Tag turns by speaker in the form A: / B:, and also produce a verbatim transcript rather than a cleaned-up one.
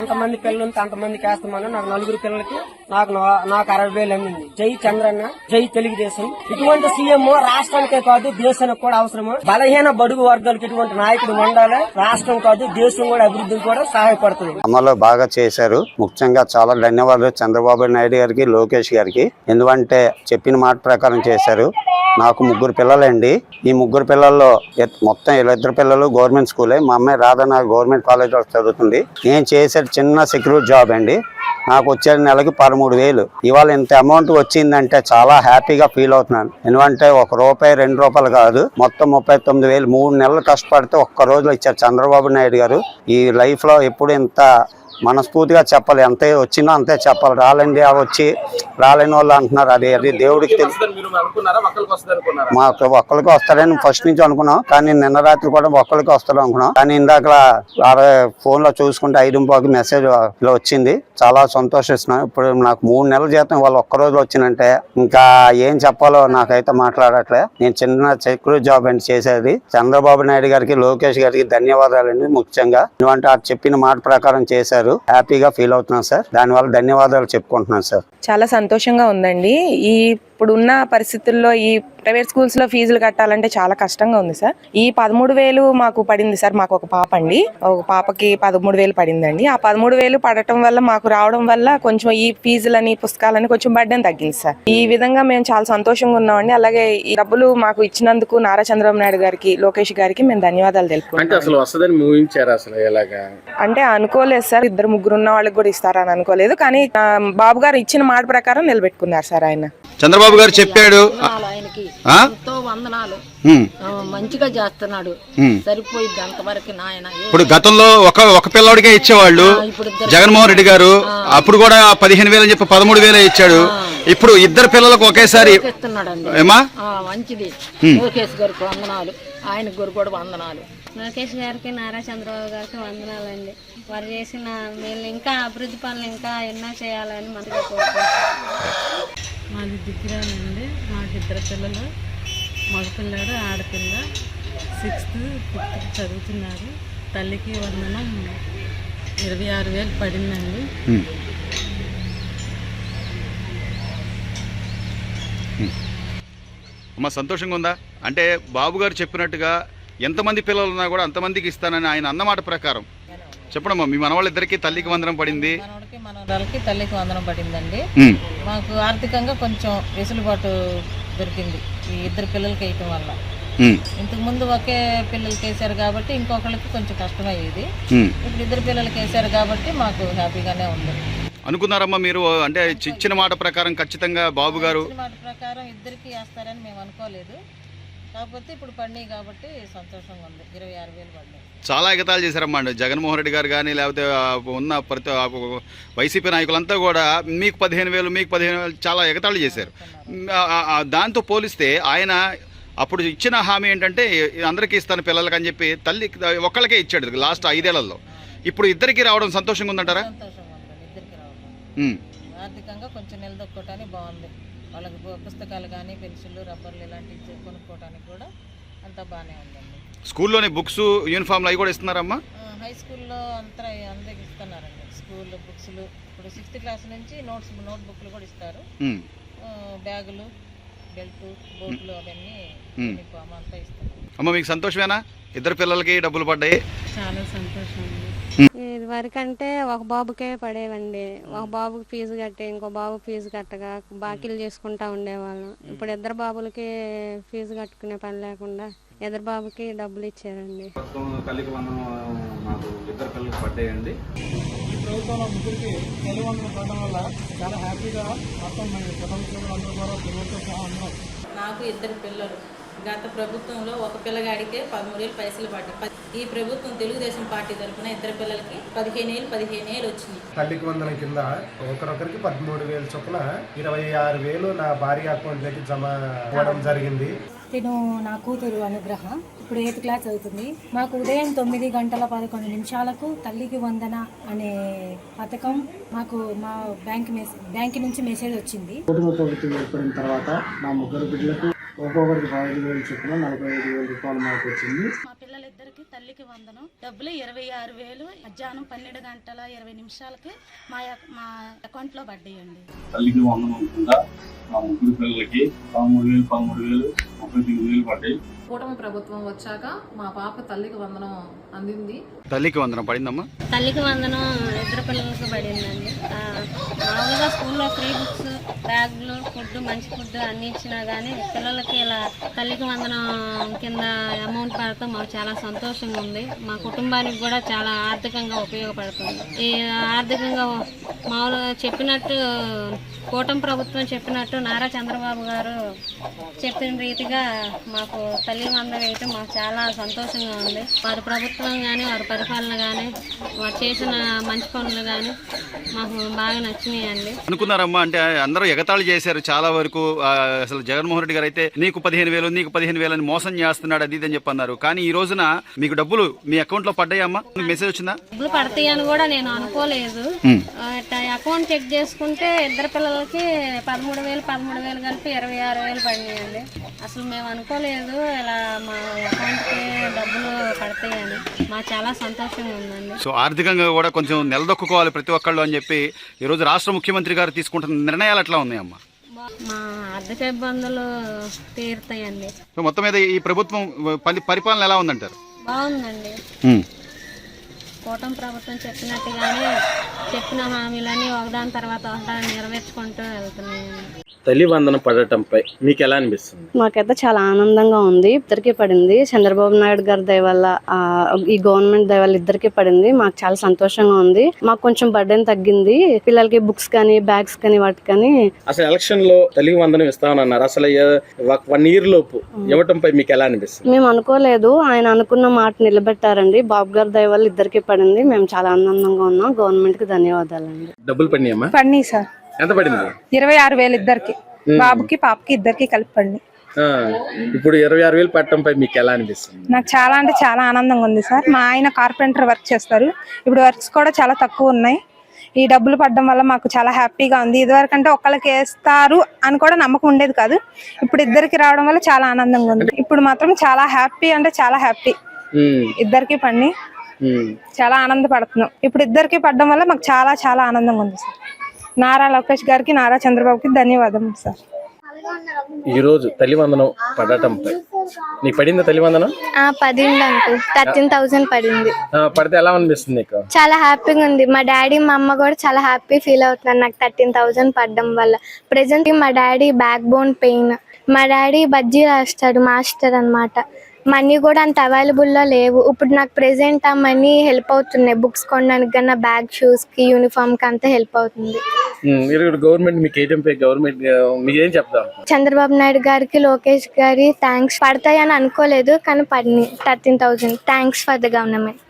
A: ఎంతమంది పిల్లలు ఉంటే అంతమందికి వేస్తామని నాకు నలుగురు పిల్లలకి నాకు నాకు అరవై వేలు అందింది. జై చంద్రన్న, జై తెలుగుదేశం. ఇటువంటి సీఎం రాష్ట్రానికే కాదు దేశానికి కూడా అవసరము. బలహీన బడుగు వర్గాలకు ఇటువంటి నాయకుడు ఉండాలి. రాష్ట్రం కాదు దేశం కూడా అభివృద్ధికి కూడా సహాయపడుతుంది.
B: అమలు బాగా చేశారు. ముఖ్యంగా చాలా ధన్యవాదాలు చంద్రబాబు నాయుడు గారికి, లోకేష్ గారికి. ఎందుకంటే చెప్పిన మాట ప్రకారం చేశారు. నాకు ముగ్గురు పిల్లలండి. ఈ ముగ్గురు పిల్లల్లో మొత్తం ఇద్దరు పిల్లలు గవర్నమెంట్ స్కూలే. మా అమ్మాయి రాధన గవర్నమెంట్ కాలేజ్లో చదువుతుంది. నేను చేసే చిన్న సెక్యూరిటీ జాబ్ అండి. నాకు వచ్చే నెలకి పదమూడు వేలు. ఇవాళ ఇంత అమౌంట్ వచ్చిందంటే చాలా హ్యాపీగా ఫీల్ అవుతున్నాను. ఎందుకంటే ఒక రూపాయి రెండు రూపాయలు కాదు, మొత్తం ముప్పై తొమ్మిది వేలు మూడు నెలలు కష్టపడితే ఒక్క రోజులో ఇచ్చారు చంద్రబాబు నాయుడు గారు. ఈ లైఫ్ లో ఎప్పుడు ఇంత మనస్ఫూర్తిగా చెప్పాలి. అంతే వచ్చినా అంతే చెప్పాలి. రాలండి అవి వచ్చి రాలేని వాళ్ళు అంటున్నారు. అది అది దేవుడికి తెలుసు. మాకు ఒక్కరికి వస్తారని ఫస్ట్ నుంచి అనుకున్నాం, కానీ నిన్న రాత్రి కూడా ఒక్కరికి వస్తారు అనుకున్నాం. కానీ ఇందాక ఫోన్ లో చూసుకుంటే ఐదు పాకి మెసేజ్ ఇలా వచ్చింది. చాలా సంతోషిస్తున్నాం. ఇప్పుడు నాకు మూడు నెలల జీతం వాళ్ళు ఒక్క రోజులో వచ్చిందంటే ఇంకా ఏం చెప్పాలో నాకైతే మాట్లాడట్లే. నేను చిన్న సెక్యూరిటీ జాబ్ అండి చేసేది. చంద్రబాబు నాయుడు గారికి, లోకేష్ గారికి ధన్యవాదాలండి. ముఖ్యంగా ఎందుకంటే ఆ చెప్పిన మాట ప్రకారం చేశారు. హ్యాపీగా ఫీల్ అవుతున్నాను సార్. దానివల్ల ధన్యవాదాలు చెప్పుకుంటున్నాను సార్.
C: చాలా సంతోషంగా ఉందండి. ఈ ఇప్పుడున్న పరిస్థితుల్లో ఈ ప్రైవేట్ స్కూల్స్ లో ఫీజులు కట్టాలంటే చాలా కష్టంగా ఉంది సార్. ఈ పదమూడు వేలు మాకు పడింది సార్. మాకు ఒక పాప అండి, ఒక పాపకి పదమూడు వేలు పడిందండి. ఆ పదమూడు వేలు పడటం వల్ల మాకు రావడం వల్ల కొంచెం ఈ ఫీజులని పుస్తకాలని కొంచెం బడ్డని తగ్గింది సార్. ఈ విధంగా మేము చాలా సంతోషంగా ఉన్నామండి. అలాగే ఈ డబ్బులు మాకు ఇచ్చినందుకు నారా చంద్రబాబు నాయుడు గారికి, లోకేష్ గారికి మేము ధన్యవాదాలు తెలుపుకుంటాం. అంటే అనుకోలేదు సార్, ఇద్దరు ముగ్గురు ఉన్న వాళ్ళకి కూడా ఇస్తారని అనుకోలేదు. కానీ బాబు గారు ఇచ్చిన మాట ప్రకారం నిలబెట్టుకున్నారు సార్. ఆయన
D: చంద్రబాబు గారు చెప్పాడు,
E: ఆయనకి ఎంతో వందనాలు. మంచిగా చేస్తున్నాడు, సరిపోయింది అంతవరకు. నాయన
D: ఇప్పుడు గతంలో ఒక ఒక పిల్లడికే ఇచ్చేవాళ్ళు జగన్మోహన్ రెడ్డి గారు. అప్పుడు కూడా పదిహేను వేలు అని చెప్పి పదమూడు వేలే ఇచ్చాడు. ఇప్పుడు ఇద్దరు పిల్లలకు ఒకేసారి
E: ఇస్తున్నాడండి. మంచిది. లోకేష్ గారికి వందనాలు, ఆయన గారు కూడా వందనాలు.
F: లోకేష్ గారికి, నారా చంద్రబాబు గారికి వందనాలండి. వారు చేసిన వీళ్ళు ఇంకా అభివృద్ధి పనులు ఇంకా ఎన్నో చేయాలని మనసుగా కోరుకుంటున్నాం.
G: మాది దిగ్గిరానండి. మాకు ఇద్దరు పిల్లలు, మగపిల్లాడు ఆడపిల్ల. సిక్స్త్ ఫిఫ్త్ చదువుతున్నారు. తల్లికి వందనం ఇరవై ఆరు వేలు పడిందండి.
D: అమ్మ సంతోషంగా ఉందా? అంటే బాబు గారు చెప్పినట్టుగా ఎంతమంది పిల్లలు ఉన్నా కూడా అంతమందికి ఇస్తానని ఆయన అన్నమాట ప్రకారం చెప్పడమ్మా. మీ మనవాళ్ళిద్దరికి తల్లికి వందనం పడింది,
E: మనవాడికి మనవరాలకి తల్లికి వందనం పడిందండి. మాకు ఆర్థికంగా కొంచెం వెసులుబాటు దొరికింది ఈ ఇద్దరు పిల్లలకి వేయటం వల్ల. ఇంతకు ముందు ఒకే పిల్లలకి వేసారు కాబట్టి ఇంకొకరికి కొంచెం కష్టమయ్యేది. ఇప్పుడు ఇద్దరు పిల్లలకి వేసారు కాబట్టి మాకు హ్యాపీగానే ఉంది.
D: అనుకున్నారమ్మా మీరు? అంటే ఇచ్చిన మాట ప్రకారం ఖచ్చితంగా బాబు గారు
E: మాట ప్రకారం ఇద్దరికి వేస్తారని మేము అనుకోలేదు. కాకపోతే ఇప్పుడు పడినాయి కాబట్టి సంతోషంగా ఉంది. ఇరవై ఆరు వేలు పడినాయి.
D: చాలా ఎగతాళి చేశారమ్మా జగన్మోహన్ రెడ్డి గారు కానీ, లేకపోతే ఉన్న ప్రతి వైసీపీ నాయకులంతా కూడా మీకు పదిహేను వేలు మీకు పదిహేను వేలు చాలా ఎగతాళి చేశారు. దాంతో పోలిస్తే ఆయన అప్పుడు ఇచ్చిన హామీ ఏంటంటే అందరికీ ఇస్తాను పిల్లలకి అని చెప్పి తల్లి ఒక్కళ్ళకే ఇచ్చాడు లాస్ట్ ఐదేళ్లలో. ఇప్పుడు ఇద్దరికి రావడం సంతోషంగా ఉందంటారా?
E: ఆర్థికంగా కొంచెం నిలదొక్కోవటానికి బాగుంది. వాళ్ళకి పుస్తకాలు కానీ పెన్సిళ్ళు రబ్బర్లు ఇలాంటివి కొనుక్కోవడానికి కూడా అంతా బాగానే ఉందండి.
D: స్కూల్లోనే బుక్స్ యూనిఫామ్లు అవి కూడా ఇస్తున్నారమ్మా?
E: హై స్కూల్లో అంతా అందరికి ఇస్తున్నారండి. స్కూల్ బుక్స్లు ఇప్పుడు సిక్స్త్ క్లాస్ నుంచి నోట్స్ నోట్ బుక్లు కూడా ఇస్తారు. బ్యాగులు, బెల్ట్, బోట్లు అవన్నీ యూనిఫామ్ అంతా ఇస్తారు.
D: అమ్మ మీకు సంతోషమేనా? ఇద్దరు పిల్లలకి డబ్బులు పడ్డాయి.
G: చాలా సంతోషం.
F: ఇది వరకంటే ఒక బాబుకే పడేవండి. ఒక బాబుకి ఫీజు కట్టి ఇంకో బాబు ఫీజు కట్టగా బాకీలు చేసుకుంటా ఉండేవాళ్ళం. ఇప్పుడు ఇద్దరు బాబులకి ఫీజు కట్టుకునే పని లేకుండా ఇద్దరు బాబుకి డబ్బులు ఇచ్చారండి.
H: తల్లికి వందనం నాకు ఇద్దరు పిల్లలకి పడ్డాయండి.
A: ఈ ప్రభుత్వంలో ముగ్గురికి తల్లి వందనం పడడం వల్ల చాలా హ్యాపీగా మొత్తం కుటుంబ అందరూ కూడా పిల్లలతో సహా ఉన్నారు.
E: నాకు ఇద్దరు పిల్లలు. గత ప్రభుత్వంలో ఒక పిల్లగాడికే పదమూడు వేలు పైసలు పడ్డాయి. ఈ ప్రభుత్వం తెలుగుదేశం పార్టీ తరఫున ఇద్దరు పిల్లలకి పదిహేను ఏళ్ళు పదిహేను ఏళ్ళు వచ్చింది.
I: తల్లికి వందనం కింద ఒకరొకరికి పదమూడు వేలు చొప్పున ఇరవై ఆరు వేలు నా భార్య అకౌంట్లోకి జమ అవ్వడం జరిగింది.
J: తిను నా కూతురు అనుగ్రహ ఇప్పుడు ఎయిత్ క్లాస్ అవుతుంది. మాకు ఉదయం తొమ్మిది గంటల పదకొండు నిమిషాలకు తల్లికి వందన అనే పథకం మాకు మా బ్యాంక్ మెసేజ్ బ్యాంక్ నుంచి మెసేజ్ వచ్చింది.
I: కుటుంబ ప్రభుత్వం ఏర్పడిన తర్వాత నా ముగ్గురు బిడ్డలకు ఒక్కొక్కరికి ఐదు వేలు చొప్పున నలభై ఐదు వేల రూపాయలు మాకు వచ్చింది.
J: మా పిల్లలిద్దరికి తల్లికి వందనం డబ్బులు ఇరవై ఆరు వేలు మధ్యాహ్నం పన్నెండు గంటల ఇరవై నిమిషాలకి మా మా అకౌంట్ లో పడ్డాయండి.
H: తల్లికి వందనం కింద మా ముగ్గురు పిల్లలకి పదమూడు వేలు పదమూడు వేలు ముప్పై తొమ్మిది వేలు పడ్డాయి.
G: కూటమి ప్రభుత్వం వచ్చాక మా పాప తల్లికి వందనం అందింది.
D: తల్లికి వందనం పడిందమ్మా?
F: తల్లికి వందనం ఇద్దరు పిల్లలకు పడిందండి. మామూలుగా స్కూల్లో ఫ్రీ బుక్స్, బ్యాగులు, ఫుడ్, మంచి ఫుడ్ అన్ని ఇచ్చినా కానీ పిల్లలకి ఇలా తల్లికి వందనం కింద అమౌంట్ పడతాం మాకు చాలా సంతోషంగా ఉంది. మా కుటుంబానికి కూడా చాలా ఆర్థికంగా ఉపయోగపడుతుంది. ఈ ఆర్థికంగా మామూలుగా చెప్పినట్టు కూటమి ప్రభుత్వం చెప్పినట్టు నారా చంద్రబాబు గారు చెప్పిన రీతిగా మాకు తల్లి వందనం వేయటం మాకు చాలా సంతోషంగా ఉంది. వారి ప్రభుత్వం కానీ వారి పరిపాలన కానీ వారు చేసిన మంచి పనులు కానీ మాకు బాగా నచ్చినాయండి.
D: అనుకున్నారమ్మా అంటే అందరూ ఎగతాళి చేశారు చాలా వరకు. ఆ, అసలు జగన్మోహన్ రెడ్డి గారు అయితే నీకు పదిహేను వేలు నీకు పదిహేను వేలు అని మోసం చేస్తున్నాడు అది ఇది అని చెప్పి అన్నారు. కానీ ఈ రోజున మీకు డబ్బులు మీ అకౌంట్ లో పడ్డాయమ్మా? మెసేజ్ వచ్చిందా?
F: డబ్బులు పడతాయి అని కూడా నేను అనుకోలేదు. అకౌంట్ చెక్ చేసుకుంటే ఇద్దరు పిల్లలకి పదమూడు వేలు పదమూడు వేలు కలిపి ఇరవై ఆరు వేలు పడినాయండి. అసలు మేము అనుకోలేదు ఇలా మా అకౌంట్ కి డబ్బులు పడతాయని. మాకు చాలా సంతోషంగా ఉందండి.
D: సో ఆర్థికంగా కూడా కొంచెం నిలదొక్కుకోవాలి ప్రతి ఒక్కళ్ళు అని చెప్పి ఈ రోజు రాష్ట్ర ముఖ్యమంత్రి గారు తీసుకుంటున్న నిర్ణయాలు ఎట్లా ఉన్నాయమ్మా?
F: మా ఆర్థిక ఇబ్బందులు తీరుతాయండి.
D: సో మొత్తం మీద ఈ ప్రభుత్వం పరి- పరిపాలన ఎలా ఉందంటారు?
F: బాగుందండి. కూటమి ప్రభుత్వం చెప్పినట్టుగానే చెప్పిన హామీలన్నీ ఒకదాని తర్వాత ఒకదాని నెరవేర్చుకుంటూ వెళ్తున్నాయండి.
K: తల్లి వందనం పడటంపై మీకు ఎలా అనిపిస్తుంది?
L: మాకైతే చాలా ఆనందంగా ఉంది. ఇద్దరికి పడింది. చంద్రబాబు నాయుడు గారి దయ వల్ల, ఈ గవర్నమెంట్ దయ వల్ల ఇద్దరికి పడింది. మాకు చాలా సంతోషంగా ఉంది. మాకు కొంచెం బర్డెన్ తగ్గింది. పిల్లలకి బుక్స్ కానీ బ్యాగ్స్ కానీ వాటి కానీ.
K: అసలు ఎలక్షన్ లో తల్లి వందనం ఇస్తామన్నారు. అసలు వన్ ఇయర్ లోపు ఇవ్వటంపై మీకు ఎలా అనిపిస్తుంది?
L: మేము అనుకోలేదు, ఆయన అనుకున్న మాట నిలబెట్టారండి. బాబు గారి దయ వల్ల ఇద్దరికి పడింది. మేము చాలా ఆనందంగా ఉన్నాం. గవర్నమెంట్ కి ధన్యవాదాలండి.
K: డబ్బులు పడినాయమ్మా?
C: పడినాయి సార్.
K: ఎంత పడింది?
C: ఇరవై ఆరు వేలు ఇద్దరికి, బాబుకి పాపకి ఇద్దరికి కలిపి పడినాయి.
K: ఇప్పుడు ఇరవై ఆరు వేలు పట్టడంపై మీకు ఎలా అనిపిస్తుంది?
C: నాకు చాలా అంటే చాలా ఆనందంగా ఉంది సార్. మా ఆయన కార్పెంటర్ వర్క్ చేస్తారు. ఇప్పుడు వర్క్స్ కూడా చాలా తక్కువ ఉన్నాయి. ఈ డబ్బులు పడడం వల్ల మాకు చాలా హ్యాపీగా ఉంది. ఇదివరకు అంటే ఒక్కళ్ళకి వేస్తారు అని కూడా నమ్మకం ఉండేది కాదు. ఇప్పుడు ఇద్దరికి రావడం వల్ల చాలా ఆనందంగా ఉంది. ఇప్పుడు మాత్రం చాలా హ్యాపీ అంటే చాలా హ్యాపీ. ఇద్దరికి పడి చాలా ఆనందపడుతున్నాం. ఇప్పుడు ఇద్దరికి పడడం వల్ల మాకు చాలా చాలా ఆనందంగా ఉంది సార్. నారా లోకేష్ గారికి, నారా చంద్రబాబుకి ధన్యవాదములు సార్.
K: ఈ రోజు తల్లి వందనం పడటంపై నీకు పడిందా తల్లి వందనం?
M: పడింది అంకుల్. థర్టీన్ థౌసండ్ పడింది.
K: పడితే ఎలా అనిపిస్తుంది నీకు?
M: చాలా హ్యాపీగా ఉంది. మా డాడీ మా అమ్మ కూడా చాలా హ్యాపీ ఫీల్ అవుతున్నారు నాకు థర్టీన్ థౌసండ్ పడడం వల్ల. ప్రెసెంట్ మా డాడీ బ్యాక్ బోన్ పెయిన్. మా డాడీ బజ్జీ రాస్తాడు, మాస్టర్ అన్నమాట. మనీ కూడా అంత అవైలబుల్లో లేవు. ఇప్పుడు నాకు ప్రెసెంట్ ఆ మనీ హెల్ప్ అవుతున్నాయి. బుక్స్ కొనడానికి కన్నా బ్యాగ్, షూస్ కి, యూనిఫామ్ కి అంతా హెల్ప్ అవుతుంది.
K: గవర్నమెంట్ మీకు ఏజెంపై గవర్నమెంట్ మీకు ఏం చెప్తాం?
M: చంద్రబాబు నాయుడు గారికి, లోకేష్ గారి థ్యాంక్స్. పడతాయని అనుకోలేదు కానీ పడినాయి thirteen thousand. Thanks for the government.